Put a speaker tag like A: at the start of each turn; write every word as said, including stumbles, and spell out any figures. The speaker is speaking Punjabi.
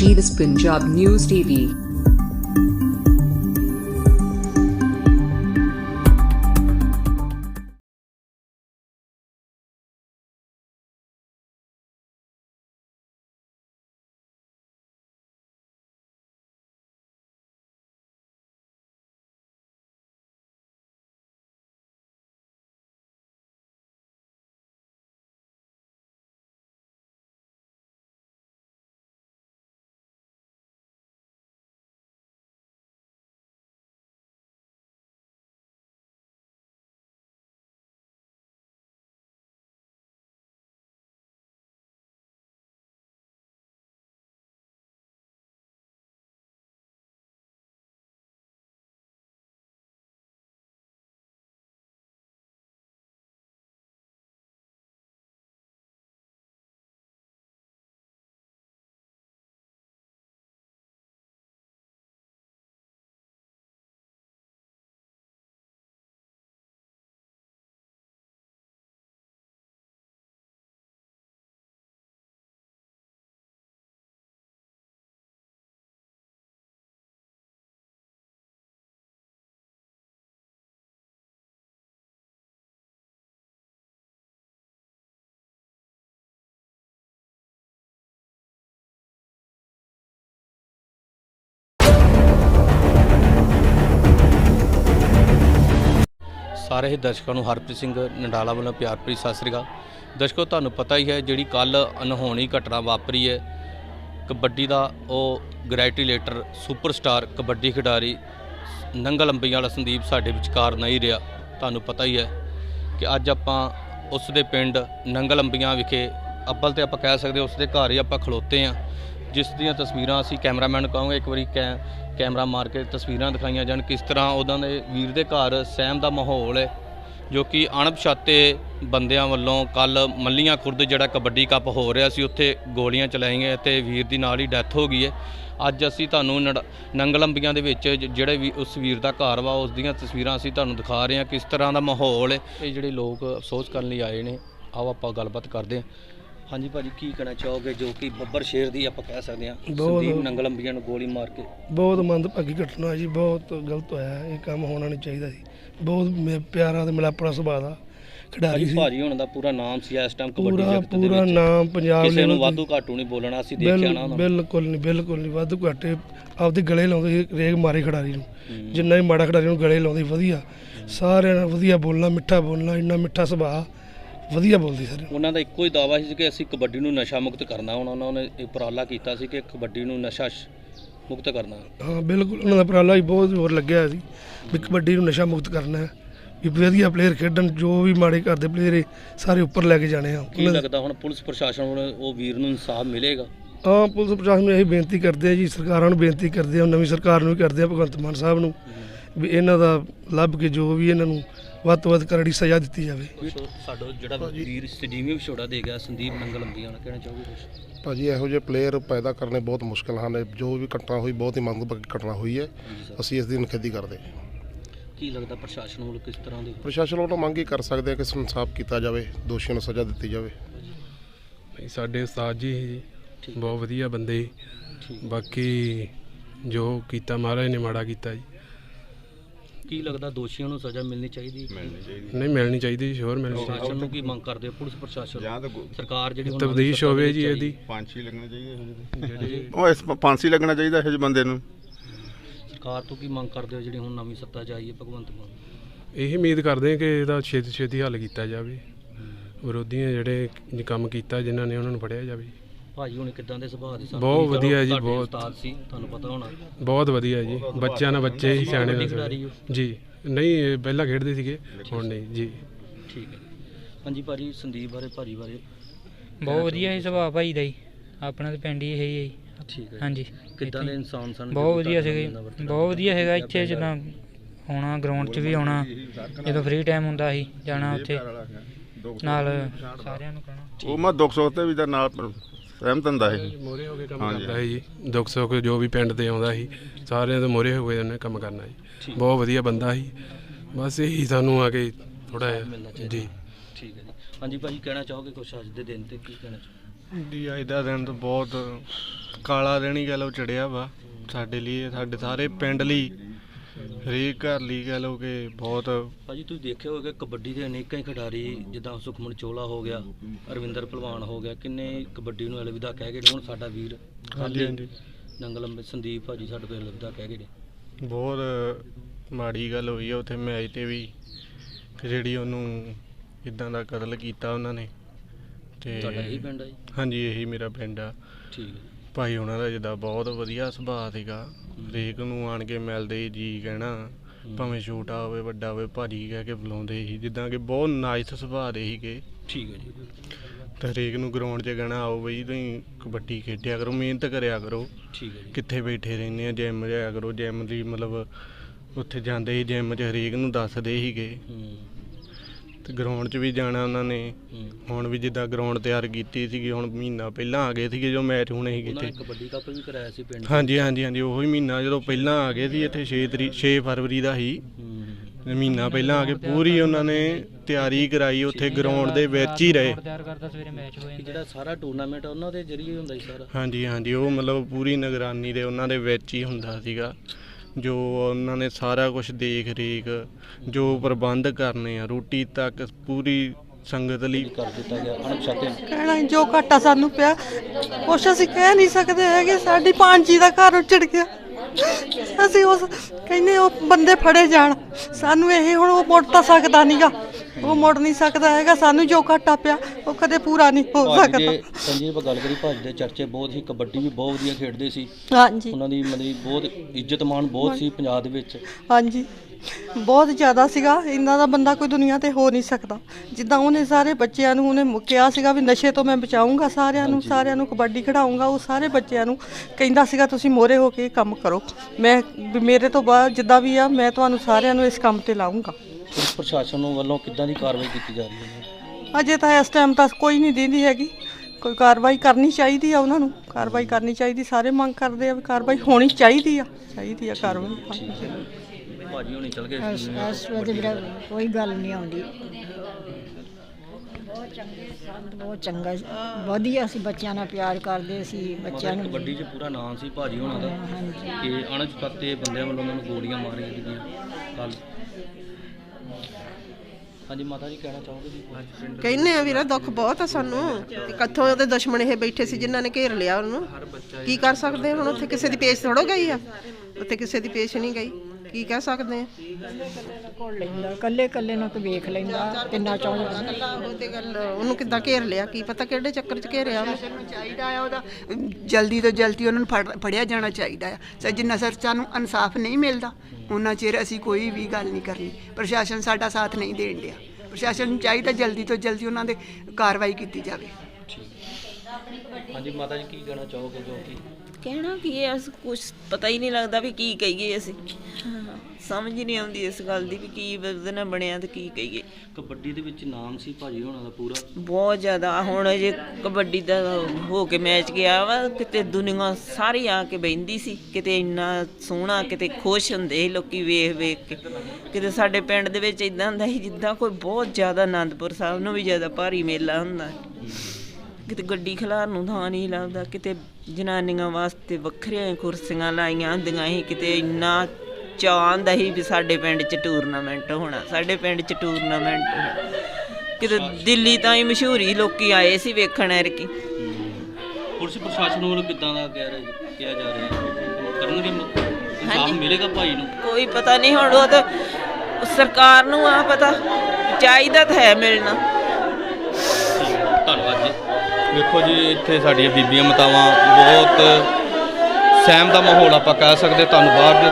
A: ਜੀ ਦਿਸ ਪੰਜਾਬ ਨਿਊਜ਼ ਟੀਵੀ।
B: ਸਾਰੇ ਹੀ ਦਰਸ਼ਕਾਂ ਨੂੰ ਹਰਪ੍ਰੀਤ ਸਿੰਘ ਨਡਾਲਾ ਵੱਲੋਂ ਪਿਆਰ ਭਰੀ ਸਤਿ ਸ੍ਰੀ ਅਕਾਲ। ਦਰਸ਼ਕੋ, ਤੁਹਾਨੂੰ ਪਤਾ ਹੀ ਹੈ ਜਿਹੜੀ ਕੱਲ ਅਨਹੋਣੀ ਘਟਨਾ ਵਾਪਰੀ ਹੈ, ਕਬੱਡੀ ਦਾ ਉਹ ਗ੍ਰੈਟੀਲੇਟਰ ਸੁਪਰਸਟਾਰ ਕਬੱਡੀ ਖਿਡਾਰੀ ਨੰਗਲ ਅੰਬੀਆਂ ਵਾਲਾ ਸੰਦੀਪ ਸਾਡੇ ਵਿਚਕਾਰ ਨਹੀਂ ਰਿਹਾ। ਤੁਹਾਨੂੰ ਪਤਾ ਹੀ ਹੈ ਕਿ ਅੱਜ ਆਪਾਂ ਉਸ ਦੇ ਪਿੰਡ ਨੰਗਲ ਅੰਬੀਆਂ ਵਿਖੇ ਅੱਬਲ ਤੇ ਆਪਾਂ ਕਹਿ ਸਕਦੇ ਉਸ ਦੇ ਘਰ ਹੀ ਆਪਾਂ ਖਲੋਤੇ ਹਾਂ, ਜਿਸ ਦੀਆਂ ਤਸਵੀਰਾਂ ਅਸੀਂ ਕੈਮਰਾਮੈਨ ਨੂੰ ਕਹਾਂਗੇ ਇੱਕ ਵਾਰੀ ਕੈ ਕੈਮਰਾ ਮਾਰ ਕੇ ਤਸਵੀਰਾਂ ਦਿਖਾਈਆਂ ਜਾਣ। ਕਿਸ ਤਰ੍ਹਾਂ ਉਹਨਾਂ ਦੇ ਵੀਰ ਦੇ ਘਰ ਸਹਿਮ ਦਾ ਮਾਹੌਲ ਹੈ, ਜੋ ਕਿ ਅਣਪਛਾਤੇ ਬੰਦਿਆਂ ਵੱਲੋਂ ਕੱਲ ਮੱਲੀਆਂ ਖੁਰਦ ਜਿਹੜਾ ਕਬੱਡੀ ਕੱਪ ਹੋ ਰਿਹਾ ਸੀ ਉੱਥੇ ਗੋਲੀਆਂ ਚਲਾਈਆਂ ਅਤੇ ਵੀਰ ਦੀ ਨਾਲ ਹੀ ਡੈਥ ਹੋ ਗਈ ਹੈ। ਅੱਜ ਅਸੀਂ ਤੁਹਾਨੂੰ ਨੰਗਲ ਅੰਬੀਆਂ ਦੇ ਵਿੱਚ ਜਿਹੜੇ ਵੀ ਉਸ ਵੀਰ ਦਾ ਘਰ ਵਾ ਉਸ ਦੀਆਂ ਤਸਵੀਰਾਂ ਅਸੀਂ ਤੁਹਾਨੂੰ ਦਿਖਾ ਰਹੇ ਹਾਂ, ਕਿਸ ਤਰ੍ਹਾਂ ਦਾ ਮਾਹੌਲ ਹੈ। ਇਹ ਜਿਹੜੇ ਲੋਕ ਅਫਸੋਸ ਕਰਨ ਲਈ ਆਏ ਨੇ, ਆਓ ਆਪਾਂ ਗੱਲਬਾਤ ਕਰਦੇ ਹਾਂ। ਹਾਂਜੀ ਭਾਜੀ, ਕੀ ਕਹਿਣਾ ਚਾਹੋਗੇ ਜੋ ਕਿ ਬੱਬਰ ਸ਼ੇਰ ਦੀ ਆਪਾਂ ਕਹਿ ਸਕਦੇ ਹਾਂ ਸੰਦੀਪ ਨੰਗਲ ਅੰਬੀਆਂ ਨੂੰ ਗੋਲੀ ਮਾਰ ਕੇ?
C: ਬਹੁਤ ਮੰਦਭਾਗੀ ਘਟਨਾ ਜੀ, ਬਹੁਤ ਗਲਤ ਹੋਇਆ। ਇਹ ਕੰਮ ਹੋਣਾ ਨਹੀਂ ਚਾਹੀਦਾ ਸੀ। ਬਹੁਤ ਪਿਆਰਾ ਤੇ ਮਿਲਾਪੜਾ ਸੁਭਾਅ ਦਾ ਖਿਡਾਰੀ ਸੀ
B: ਭਾਜੀ। ਹੁਣ ਦਾ ਪੂਰਾ ਨਾਮ ਸੀ ਇਸ ਟਾਈਮ ਕਬੱਡੀ
C: ਪੂਰਾ
B: ਜਗਤ ਦੇ ਵਿੱਚ,
C: ਪੂਰਾ ਨਾਮ ਪੰਜਾਬ
B: ਕਿਸੇ ਨੂੰ ਵਾਧੂ ਘਾਟੂ ਨਹੀਂ ਬੋਲਣਾ ਅਸੀਂ ਦੇਖਿਆ ਨਾ।
C: ਬਿਲਕੁਲ ਨਹੀਂ, ਬਿਲਕੁਲ ਨਹੀਂ ਵਾਧੂ ਘਾਟੇ ਆਪਦੇ ਗਲੇ ਲਾਉਂਦੇ ਸੀ ਰੇਗ ਮਾਰੇ ਖਿਡਾਰੀ ਨੂੰ। ਜਿੰਨਾ ਵੀ ਮਾੜਾ ਖਿਡਾਰੀ ਨੂੰ ਗਲੇ ਲਾਉਂਦੇ ਵਧੀਆ, ਸਾਰਿਆਂ ਨਾਲ ਵਧੀਆ ਬੋਲਣਾ, ਮਿੱਠਾ ਬੋਲਣਾ, ਇੰਨਾ ਮਿੱਠਾ ਸੁਭਾਅ, ਵਧੀਆ ਬੋਲਦੀ ਸਰ। ਉਹਨਾਂ
B: ਦਾ ਇੱਕੋ ਹੀ ਦਾਅਵਾ ਸੀ ਕਿ ਅਸੀਂ ਕਬੱਡੀ ਨੂੰ ਨਸ਼ਾ ਮੁਕਤ ਕਰਨਾ। ਹੁਣ ਉਹਨਾਂ ਨੇ ਉਪਰਾਲਾ ਕੀਤਾ ਸੀ ਕਿ ਕਬੱਡੀ ਨੂੰ ਨਸ਼ਾ ਮੁਕਤ ਕਰਨਾ।
C: ਹਾਂ ਬਿਲਕੁਲ, ਉਹਨਾਂ ਦਾ ਉਪਰਾਲਾ ਵੀ ਬਹੁਤ ਜ਼ੋਰ ਲੱਗਿਆ ਸੀ ਵੀ ਕਬੱਡੀ ਨੂੰ ਨਸ਼ਾ ਮੁਕਤ ਕਰਨਾ ਹੈ, ਵੀ ਵਧੀਆ ਪਲੇਅਰ ਖੇਡਣ, ਜੋ ਵੀ ਮਾੜੇ ਕਰਦੇ ਪਲੇਅਰ ਸਾਰੇ ਉੱਪਰ ਲੈ ਕੇ ਜਾਣੇ ਆ।
B: ਕੀ ਲੱਗਦਾ ਹੁਣ ਪੁਲਿਸ ਪ੍ਰਸ਼ਾਸਨ ਹੁਣ ਉਹ ਵੀਰ ਨੂੰ ਇਨਸਾਫ ਮਿਲੇਗਾ?
C: ਹਾਂ, ਪੁਲਿਸ ਪ੍ਰਸ਼ਾਸਨ ਨੂੰ ਇਹੀ ਬੇਨਤੀ ਕਰਦੇ ਆ ਜੀ, ਸਰਕਾਰਾਂ ਨੂੰ ਬੇਨਤੀ ਕਰਦੇ ਆ, ਨਵੀਂ ਸਰਕਾਰ ਨੂੰ ਵੀ ਕਰਦੇ ਆ, ਭਗਵੰਤ ਮਾਨ ਸਾਹਿਬ ਨੂੰ, ਵੀ ਇਹਨਾਂ ਦਾ ਲੱਭ ਕੇ ਜੋ ਵੀ ਇਹਨਾਂ ਨੂੰ ਵੱਧ ਤੋਂ ਵੱਧ ਕਰੜੀ ਸਜ਼ਾ ਦਿੱਤੀ ਜਾਵੇ।
B: ਸਾਡਾ ਜਿਹੜਾ ਵੀਰ ਸਜੀਵੀ ਵਿਛੋੜਾ ਦੇ ਗਿਆ ਸੰਦੀਪ ਨੰਗਲ ਅੰਬੀਆਂ ਨਾਲ, ਕਹਿਣਾ ਚਾਹੋਗੇ ਕੁਛ?
D: ਭਾਜੀ, ਇਹੋ ਜਿਹੇ ਪਲੇਅਰ ਪੈਦਾ ਕਰਨੇ ਬਹੁਤ ਮੁਸ਼ਕਿਲ ਹਨ। ਜੋ ਵੀ ਘਟਨਾ ਹੋਈ ਬਹੁਤ ਹੀ ਮੰਦਭਾਗੀ ਘਟਨਾ ਹੋਈ ਹੈ, ਅਸੀਂ ਇਸ ਦੀ ਨਿਖੇਧੀ ਕਰਦੇ ਹਾਂ।
B: ਕੀ ਲੱਗਦਾ ਪ੍ਰਸ਼ਾਸਨ ਵੱਲੋਂ ਕਿਸ ਤਰ੍ਹਾਂ ਦੀ?
D: ਪ੍ਰਸ਼ਾਸਨ ਵੱਲੋਂ ਮੰਗ ਹੀ ਕਰ ਸਕਦੇ ਆ ਕਿ ਇਨਸਾਫ ਕੀਤਾ ਜਾਵੇ, ਦੋਸ਼ੀਆਂ ਨੂੰ ਸਜ਼ਾ ਦਿੱਤੀ ਜਾਵੇ।
E: ਸਾਡੇ ਉਸਤਾਦ ਜੀ ਜੀ ਬਹੁਤ ਵਧੀਆ ਬੰਦੇ, ਬਾਕੀ ਜੋ ਕੀਤਾ ਮਹਾਰਾਜ ਨੇ ਮਾੜਾ ਕੀਤਾ ਜੀ।
B: ਕੀ ਲੱਗਦਾ ਦੋਸ਼ੀਆਂ ਨੂੰ ਸਜ਼ਾ ਮਿਲਣੀ ਚਾਹੀਦੀ?
E: ਨਹੀਂ ਮਿਲਣੀ ਚਾਹੀਦੀ, ਸ਼ੋਰ ਮਿਲਣੀ ਚਾਹੀਦੀ।
B: ਪ੍ਰਸ਼ਾਸਨ ਨੂੰ ਕੀ ਮੰਗ ਕਰਦੇ ਹੋ? ਪੁਲਿਸ ਪ੍ਰਸ਼ਾਸਨ ਸਰਕਾਰ ਜਿਹੜੀ
E: ਤਬਦੀਸ਼ ਹੋਵੇ ਜੀ ਇਹਦੀ,
F: ਫਾਂਸੀ ਲੱਗਣਾ ਚਾਹੀਦਾ ਜਿਹੜੇ ਉਹ ਇਸ ਫਾਂਸੀ ਲੱਗਣਾ ਚਾਹੀਦਾ ਇਹੋ ਜਿਹੇ ਬੰਦੇ ਨੂੰ।
B: ਸਰਕਾਰ ਤੋਂ ਕੀ ਮੰਗ ਕਰਦੇ ਹੋ ਜਿਹੜੀ ਹੁਣ ਨਵੀਂ ਸੱਤਾ 'ਚ ਆਈ ਹੈ ਭਗਵੰਤ ਮਾਨ?
E: ਇਹ ਉਮੀਦ ਕਰਦੇ ਹਾਂ ਕਿ ਇਹਦਾ ਛੇਤੀ ਛੇਤੀ ਹੱਲ ਕੀਤਾ ਜਾਵੇ, ਵਿਰੋਧੀਆਂ ਜਿਹੜੇ ਕੰਮ ਕੀਤਾ ਜਿਨ੍ਹਾਂ ਨੇ ਉਹਨਾਂ ਨੂੰ ਫੜਿਆ ਜਾਵੇ।
B: ਭਾਜੀ ਹੁਣ ਕਿੱਦਾਂ ਦੇ ਸੁਭਾਅ ਦੇ ਸਨ?
E: ਬਹੁਤ ਵਧੀਆ ਜੀ, ਬਹੁਤ
B: ਉਸਤਾਦ ਸੀ, ਤੁਹਾਨੂੰ ਪਤਾ ਹੋਣਾ।
E: ਬਹੁਤ ਵਧੀਆ ਜੀ, ਬੱਚਿਆਂ ਨਾਲ ਬੱਚੇ ਹੀ ਸਿਆਣੇ ਜੀ। ਨਹੀਂ ਪਹਿਲਾਂ ਖੇਡਦੇ ਸੀਗੇ, ਹੁਣ ਨਹੀਂ ਜੀ।
B: ਠੀਕ ਹੈ। ਹਾਂਜੀ ਭਾਜੀ, ਸੰਦੀਪ ਬਾਰੇ ਭਾਜੀ ਬਾਰੇ?
G: ਬਹੁਤ ਵਧੀਆ ਹੀ ਸੁਭਾਅ ਭਾਈ ਦਾ ਹੀ, ਆਪਣਾ ਤਾਂ ਪਿੰਡ ਹੀ ਹੈ ਹੀ।
B: ਠੀਕ ਹੈ।
G: ਹਾਂਜੀ,
B: ਕਿੱਦਾਂ ਦੇ ਇਨਸਾਨ ਸਨ?
G: ਬਹੁਤ ਵਧੀਆ ਸੀਗੇ, ਬਹੁਤ ਵਧੀਆ ਹੈਗਾ। ਇੱਥੇ ਜਿੱਦਾਂ ਆਉਣਾ ਗਰਾਊਂਡ 'ਚ ਵੀ ਆਉਣਾ, ਜਦੋਂ ਫ੍ਰੀ ਟਾਈਮ ਹੁੰਦਾ ਸੀ ਜਾਣਾ ਉੱਥੇ ਨਾਲ ਸਾਰਿਆਂ ਨੂੰ ਕਹਿਣਾ।
F: ਉਹ ਮੈਂ ਦੁੱਖ ਸੁੱਖ ਤੇ ਵੀ ਤਾਂ ਨਾਲ ਸਹਿਮਤ ਹੁੰਦਾ ਹੈ,
E: ਮੋਰੇ ਹੋ ਕੇ ਕੰਮ ਕਰਦਾ ਹੈ ਜੀ। ਦੁੱਖ ਸੁੱਖ ਜੋ ਵੀ ਪਿੰਡ ਤੇ ਆਉਂਦਾ ਸੀ ਸਾਰਿਆਂ ਦੇ ਮੋਰੇ ਹੋ ਕੇ ਉਹਨੇ ਕੰਮ ਕਰਨਾ ਜੀ। ਬਹੁਤ ਵਧੀਆ ਬੰਦਾ ਸੀ, ਬਸ ਇਹੀ ਸਾਨੂੰ ਆ ਕੇ ਥੋੜਾ ਜਿਹਾ ਜੀ।
B: ਠੀਕ ਹੈ ਜੀ। ਹਾਂਜੀ ਭਾਜੀ, ਕਹਿਣਾ ਚਾਹੋਗੇ ਕੁਛ ਅੱਜ ਦੇ ਦਿਨ ਤੇ? ਕੀ ਕਹਿਣਾ ਚਾਹੋਗੇ
H: ਜੀ? ਅੱਜ ਦਾ ਦਿਨ ਤਾਂ ਬਹੁਤ ਕਾਲਾ ਦਿਨ ਹੀ ਕਹਿ ਲਓ ਚੜਿਆ ਵਾ ਸਾਡੇ ਲਈ, ਸਾਡੇ ਸਾਰੇ ਪਿੰਡ ਲਈ, ਹਰੇਕ ਘਰ ਲਈ ਕਹਿ ਲਓ ਕਿ ਬਹੁਤ।
B: ਭਾਜੀ ਤੁਸੀਂ ਦੇਖਿਆ ਹੋਵੇਗਾ ਕਬੱਡੀ ਦੇ ਅਨੇਕਾਂ ਹੀ ਖਿਡਾਰੀ, ਜਿੱਦਾਂ ਸੁਖਮਨ ਚੋਲਾ ਹੋ ਗਿਆ, ਅਰਵਿੰਦਰ ਭਲਵਾਨ ਹੋ ਗਿਆ, ਕਿੰਨੇ ਕਬੱਡੀ ਨੂੰ ਅਲਵਿਦਾ ਕਹਿ ਗਏ ਨੇ। ਹੁਣ ਸਾਡਾ ਵੀਰ
H: ਹਾਂਜੀ ਹਾਂਜੀ
B: ਨੰਗਲ ਸੰਦੀਪ ਭਾਜੀ ਸਾਡੇ ਕੋਲ ਅਲਵਿਦਾ ਕਹਿ ਗਏ ਨੇ।
H: ਬਹੁਤ ਮਾੜੀ ਗੱਲ ਹੋਈ ਆ ਉੱਥੇ ਮੈਚ 'ਤੇ ਵੀ, ਜਿਹੜੀ ਉਹਨੂੰ ਇੱਦਾਂ ਦਾ ਕਤਲ ਕੀਤਾ ਉਹਨਾਂ ਨੇ। ਤੇ
B: ਤੁਹਾਡਾ ਇਹੀ ਪਿੰਡ ਆ ਜੀ?
H: ਹਾਂਜੀ ਇਹੀ ਮੇਰਾ ਪਿੰਡ ਆ।
B: ਠੀਕ ਹੈ।
H: ਭਾਈ ਉਹਨਾਂ ਦਾ ਜਿੱਦਾਂ ਬਹੁਤ ਵਧੀਆ ਸੁਭਾਅ ਸੀਗਾ, ਹਰੇਕ ਨੂੰ ਆਣ ਕੇ ਮਿਲਦੇ ਜੀ ਕਹਿਣਾ, ਭਾਵੇਂ ਛੋਟਾ ਹੋਵੇ ਵੱਡਾ ਹੋਵੇ ਭਾਜੀ ਕਹਿ ਕੇ ਬੁਲਾਉਂਦੇ ਸੀ, ਜਿੱਦਾਂ ਕਿ ਬਹੁਤ ਨਾਈਸ ਸੁਭਾਅ ਦੇ ਸੀਗੇ।
B: ਠੀਕ ਹੈ ਜੀ।
H: ਤੇ ਹਰੇਕ ਨੂੰ ਗਰਾਊਂਡ 'ਚ ਕਹਿਣਾ ਆਓ ਬਈ ਤੁਸੀਂ ਕਬੱਡੀ ਖੇਡਿਆ ਕਰੋ, ਮਿਹਨਤ ਕਰਿਆ ਕਰੋ।
B: ਠੀਕ ਹੈ ਜੀ।
H: ਕਿੱਥੇ ਬੈਠੇ ਰਹਿੰਦੇ ਆ, ਜਿੰਮ ਜਾਇਆ ਕਰੋ। ਜਿੰਮ ਦੀ ਮਤਲਬ ਉੱਥੇ ਜਾਂਦੇ ਸੀ ਜਿੰਮ 'ਚ, ਹਰੇਕ ਨੂੰ ਦੱਸਦੇ ਸੀਗੇ। ਤੇ ਗਰਾਊਂਡ 'ਚ ਵੀ ਜਾਣਾ ਉਹਨਾਂ ਨੇ। ਹੁਣ ਵੀ ਜਿੱਦਾਂ ਗਰਾਊਂਡ ਤਿਆਰ ਕੀਤੀ ਸੀਗੀ, ਹੁਣ ਮਹੀਨਾ ਪਹਿਲਾਂ ਆ ਗਏ ਸੀਗੇ ਜੋ ਮੈਚ ਹੋਣੇ ਸੀ ਕਿਤੇ।
B: ਕਬੱਡੀ ਕੱਪ ਵੀ ਕਰਾਇਆ ਸੀ ਪਿੰਡ।
H: ਹਾਂਜੀ ਹਾਂਜੀ ਹਾਂਜੀ ਉਹੀ ਮਹੀਨਾ ਜਦੋਂ ਪਹਿਲਾਂ ਆ ਗਏ ਸੀ ਇੱਥੇ ਛੇ ਤਰੀਕ ਛੇ ਫਰਵਰੀ ਦਾ ਸੀ। ਮਹੀਨਾ ਪਹਿਲਾਂ ਆ ਕੇ ਪੂਰੀ ਉਹਨਾਂ ਨੇ ਤਿਆਰੀ ਕਰਾਈ, ਉੱਥੇ ਗਰਾਊਂਡ ਦੇ ਵਿੱਚ ਹੀ ਰਹੇ।
B: ਜਿਹੜਾ ਸਾਰਾ ਟੂਰਨਾਮੈਂਟ ਉਹਨਾਂ ਦੇ ਜ਼ਰੀਏ ਹੁੰਦਾ ਸੀ ਸਾਰਾ।
H: ਹਾਂਜੀ ਹਾਂਜੀ ਉਹ ਮਤਲਬ ਪੂਰੀ ਨਿਗਰਾਨੀ ਦੇ ਉਹਨਾਂ ਦੇ ਵਿੱਚ ਹੀ ਹੁੰਦਾ ਸੀਗਾ, ਜੋ ਉਹਨਾਂ ਨੇ ਸਾਰਾ ਕੁਝ ਦੇਖ ਰੇਖ, ਜੋ ਪ੍ਰਬੰਧ ਕਰਨੇ ਆ, ਰੋਟੀ ਤੱਕ ਪੂਰੀ ਸੰਗਤ ਲਈ
B: ਕਰ ਦਿੱਤਾ ਗਿਆ। ਅਣਪਛਾਤੇ
I: ਕਹਿਣਾ ਜੋ ਘਾਟਾ ਸਾਨੂੰ ਪਿਆ ਕੁਛ ਅਸੀਂ ਕਹਿ ਨਹੀਂ ਸਕਦੇ ਹੈਗੇ। ਸਾਡੀ ਭਾਂਜੀ ਦਾ ਘਰ ਉੱਜੜ ਗਿਆ, ਅਸੀਂ ਉਸ ਕਹਿੰਦੇ ਉਹ ਬੰਦੇ ਫੜੇ ਜਾਣ। ਸਾਨੂੰ ਇਹ ਹੁਣ ਉਹ ਮੁੜ ਤਾਂ ਸਕਦਾ ਨਹੀਂਗਾ, ਉਹ ਮੁੜ ਨਹੀਂ ਸਕਦਾ ਹੈਗਾ। ਸਾਨੂੰ ਜੋ ਘਾਟਾ ਪਿਆ ਉਹ ਕਦੇ ਪੂਰਾ ਨਹੀਂ ਹੋ ਸਕਦਾ।
B: ਸੰਜੀਵ ਗੱਲ ਕਰੀ, ਭਾਜੀ ਦੇ ਚਰਚੇ ਬਹੁਤ ਸੀ, ਕਬੱਡੀ ਵੀ ਬਹੁਤ ਵਧੀਆ ਖੇਡਦੇ ਸੀ।
I: ਹਾਂਜੀ
B: ਉਹਨਾਂ ਦੀ ਮਤਲਬ ਬਹੁਤ ਇੱਜ਼ਤ ਮਾਣ ਬਹੁਤ ਸੀ ਪੰਜਾਬ ਦੇ ਵਿੱਚ।
I: ਹਾਂਜੀ ਬਹੁਤ ਜ਼ਿਆਦਾ ਸੀਗਾ। ਇੰਨਾ ਦਾ ਬੰਦਾ ਕੋਈ ਦੁਨੀਆ ਤੇ ਹੋ ਨਹੀਂ ਸਕਦਾ। ਜਿੱਦਾਂ ਉਹਨੇ ਸਾਰੇ ਬੱਚਿਆਂ ਨੂੰ ਉਹਨੇ ਕਿਹਾ ਸੀਗਾ ਵੀ ਨਸ਼ੇ ਤੋਂ ਮੈਂ ਬਚਾਊਂਗਾ ਸਾਰਿਆਂ ਨੂੰ, ਸਾਰਿਆਂ ਨੂੰ ਕਬੱਡੀ ਖਿਡਾਊਂਗਾ। ਉਹ ਸਾਰੇ ਬੱਚਿਆਂ ਨੂੰ ਕਹਿੰਦਾ ਸੀਗਾ ਤੁਸੀਂ ਮੋਹਰੇ ਹੋ ਕੇ ਕੰਮ ਕਰੋ, ਮੈਂ ਵੀ ਮੇਰੇ ਤੋਂ ਬਾਅਦ ਜਿੱਦਾਂ ਵੀ ਆ ਮੈਂ ਤੁਹਾਨੂੰ ਸਾਰਿਆਂ ਨੂੰ ਇਸ ਕੰਮ ਤੇ ਲਾਊਂਗਾ।
B: ਪੁਲਿਸ ਪ੍ਰਸ਼ਾਸਨ ਵੱਲੋਂ ਕਿੱਦਾਂ ਦੀ ਕਾਰਵਾਈ ਕੀਤੀ ਜਾ ਰਹੀ ਹੈ?
I: ਅਜੇ ਤਾਂ ਇਸ ਟਾਈਮ ਤੱਕ ਕੋਈ ਨਹੀਂ ਦਿੰਦੀ ਹੈਗੀ। ਕੋਈ ਕਾਰਵਾਈ ਕਰਨੀ ਚਾਹੀਦੀ ਆ, ਉਹਨਾਂ ਨੂੰ ਕਾਰਵਾਈ ਕਰਨੀ ਚਾਹੀਦੀ। ਸਾਰੇ ਮੰਗ ਕਰਦੇ ਆ ਵੀ ਕਾਰਵਾਈ ਹੋਣੀ ਚਾਹੀਦੀ ਆ, ਚਾਹੀਦੀ ਆ ਕਾਰਵਾਈ।
B: ਭਾਜੀ ਹੋਣੀ ਚਲ ਗਏ
J: ਇਸ ਵੇਲੇ ਵੀਰਾ ਕੋਈ ਗੱਲ ਨਹੀਂ ਆਉਂਦੀ। ਬਹੁਤ ਚੰਗੇ ਸੰਤ, ਬਹੁਤ ਚੰਗਾ ਵਧੀਆ ਸੀ, ਬੱਚਿਆਂ ਨਾਲ ਪਿਆਰ ਕਰਦੇ ਸੀ। ਬੱਚਿਆਂ ਨੂੰ
B: ਕਬੱਡੀ 'ਚ ਪੂਰਾ ਨਾਮ ਸੀ ਭਾਜੀ ਹੋਣਾ ਦਾ ਕਿ ਅਣਪਛਾਤੇ ਬੰਦਿਆਂ ਵੱਲੋਂ ਉਹਨਾਂ ਨੂੰ ਗੋਲੀਆਂ ਮਾਰੀਆਂ ਗਈਆਂ ਕੱਲ। ਹਾਂਜੀ ਮਾਤਾ ਜੀ ਕਹਿਣਾ ਚਾਹੋਗੇ ਜੀ?
K: ਕਹਿੰਦੇ ਆ ਵੀਰਾ ਦੁੱਖ ਬਹੁਤ ਆ ਸਾਨੂੰ। ਕਿੱਥੋਂ ਉਹਦੇ ਦੁਸ਼ਮਣ ਇਹ ਬੈਠੇ ਸੀ ਜਿਨ੍ਹਾਂ ਨੇ ਘੇਰ ਲਿਆ ਉਹਨੂੰ। ਕੀ ਕਰ ਸਕਦੇ ਹੁਣ? ਉੱਥੇ ਕਿਸੇ ਦੀ ਪੇਸ਼ ਥੋੜੋ ਗਈ ਆ, ਉੱਥੇ ਕਿਸੇ ਦੀ ਪੇਸ਼ ਨਹੀਂ ਗਈ। ਕੀ ਕਹਿ ਸਕਦੇ ਆ?
J: ਕੋਲ ਲੈਂਦਾ ਕੱਲੇ ਕੱਲੇ ਨੂੰ ਤੇ ਵੇਖ ਲੈਂਦਾ ਕਿੰਨਾ ਚਾਹੁੰਦਾ
K: ਕੱਲਾ ਉਹ ਤੇ ਗੱਲ ਉਹਨੂੰ ਕਿੱਦਾਂ ਘੇਰ ਲਿਆ, ਕੀ ਪਤਾ ਕਿਹੜੇ ਚੱਕਰ 'ਚ ਘੇਰਿਆ ਉਹਨੂੰ।
L: ਚਾਹੀਦਾ ਆ ਉਹਦਾ ਜਲਦੀ ਤੋਂ ਜਲਦੀ ਉਹਨਾਂ ਨੂੰ ਫੜ ਫੜਿਆ ਜਾਣਾ ਚਾਹੀਦਾ ਆ। ਸਰ ਜਿੰਨਾ ਚਿਰ ਸਾਨੂੰ ਇਨਸਾਫ ਨਹੀਂ ਮਿਲਦਾ ਉਹਨਾਂ ਚਿਰ ਅਸੀਂ ਕੋਈ ਵੀ ਗੱਲ ਨਹੀਂ ਕਰਨੀ। ਪ੍ਰਸ਼ਾਸਨ ਸਾਡਾ ਸਾਥ ਨਹੀਂ ਦੇਣ ਡਿਆ। ਪ੍ਰਸ਼ਾਸਨ ਨੂੰ ਚਾਹੀਦਾ ਜਲਦੀ ਤੋਂ ਜਲਦੀ ਉਹਨਾਂ ਦੇ ਕਾਰਵਾਈ ਕੀਤੀ ਜਾਵੇ।
B: ਹਾਂਜੀ ਮਾਤਾ ਜੀ ਕੀ ਕਹਿਣਾ ਚਾਹੋਗੇ? ਜੋ ਕਿ
M: ਕਹਿਣਾ ਕੀ ਹੈ, ਕੁਝ ਪਤਾ ਹੀ ਨਹੀਂ ਲੱਗਦਾ ਵੀ ਕੀ ਕਹੀਏ ਅਸੀਂ। ਸਮਝ ਹੀ ਨਹੀਂ ਆਉਂਦੀ ਇਸ ਗੱਲ ਦੀ ਵੀ ਕੀ ਉਹਦੇ ਨਾਲ ਬਣਿਆ ਤੇ ਕੀ ਕਹੀਏ।
B: ਕਬੱਡੀ ਦੇ ਵਿੱਚ ਨਾਮ ਸੀ ਭਾਜੀ ਹੋਣਾ ਦਾ ਪੂਰਾ
M: ਬਹੁਤ ਜ਼ਿਆਦਾ। ਹੁਣ ਜੇ ਕਬੱਡੀ ਦਾ ਹੋ ਕੇ ਮੈਚ ਗਿਆ ਵਾ, ਕਿਤੇ ਦੁਨੀਆ ਸਾਰੀ ਆ ਕੇ ਬਹਿੰਦੀ ਸੀ, ਕਿਤੇ ਇੰਨਾ ਸੋਹਣਾ, ਕਿਤੇ ਖੁਸ਼ ਹੁੰਦੇ ਸੀ ਲੋਕੀ ਵੇਖ ਵੇਖ ਕੇ। ਕਿਤੇ ਸਾਡੇ ਪਿੰਡ ਦੇ ਵਿੱਚ ਇੱਦਾਂ ਹੁੰਦਾ ਸੀ ਜਿੱਦਾਂ ਕੋਈ ਬਹੁਤ ਜ਼ਿਆਦਾ ਆਨੰਦਪੁਰ ਸਾਹਿਬ ਨੂੰ ਵੀ ਜ਼ਿਆਦਾ ਭਾਰੀ ਮੇਲਾ ਹੁੰਦਾ। ਕਿਤੇ ਗੱਡੀ ਖਿਲਾਰਨ ਨੂੰ ਥਾਂ ਨਹੀਂ ਲੱਭਦਾ, ਕਿਤੇ ਜਨਾਨੀਆਂ ਵਾਸਤੇ ਵੱਖਰੀਆਂ ਕੁਰਸੀਆਂ ਲਾਈਆਂ ਹੁੰਦੀਆਂ ਸੀ। ਕਿਤੇ ਇੰਨਾ ਚਾਅ ਆਉਂਦਾ ਸੀ ਵੀ ਸਾਡੇ ਪਿੰਡ 'ਚ ਟੂਰਨਾਮੈਂਟ ਹੋਣਾ, ਸਾਡੇ ਪਿੰਡ 'ਚ ਟੂਰਨਾਮੈਂਟ ਹੋਣਾ। ਕਿਤੇ ਦਿੱਲੀ ਤਾਂ ਹੀ ਮਸ਼ਹੂਰੀ ਲੋਕੀ ਆਏ ਸੀ ਵੇਖਣ ਐਰਕੀ।
B: ਪੁਲਿਸ ਪ੍ਰਸ਼ਾਸਨ ਵੱਲੋਂ ਕਿੱਦਾਂ ਦਾ ਕਹਿ ਰਿਹਾ ਕਿਹਾ ਜਾ ਰਿਹਾ ਕਰਨਗੇ? ਇਨਸਾਫ ਮਿਲੇਗਾ ਭਾਈ ਨੂੰ?
M: ਕੋਈ ਪਤਾ ਨਹੀਂ, ਹੁਣ ਉਹ ਤਾਂ ਸਰਕਾਰ ਨੂੰ ਆ ਪਤਾ। ਚਾਹੀਦਾ ਤਾਂ ਹੈ ਮਿਲਣਾ।
B: ਧੰਨਵਾਦ ਜੀ। ਵੇਖੋ ਜੀ ਇੱਥੇ ਸਾਡੀਆਂ ਬੀਬੀਆਂ ਮਾਤਾਵਾਂ ਬਹੁਤ ਸਹਿਮ ਦਾ ਮਾਹੌਲ ਆਪਾਂ ਕਹਿ ਸਕਦੇ। ਤੁਹਾਨੂੰ ਬਾਹਰ ਦੇ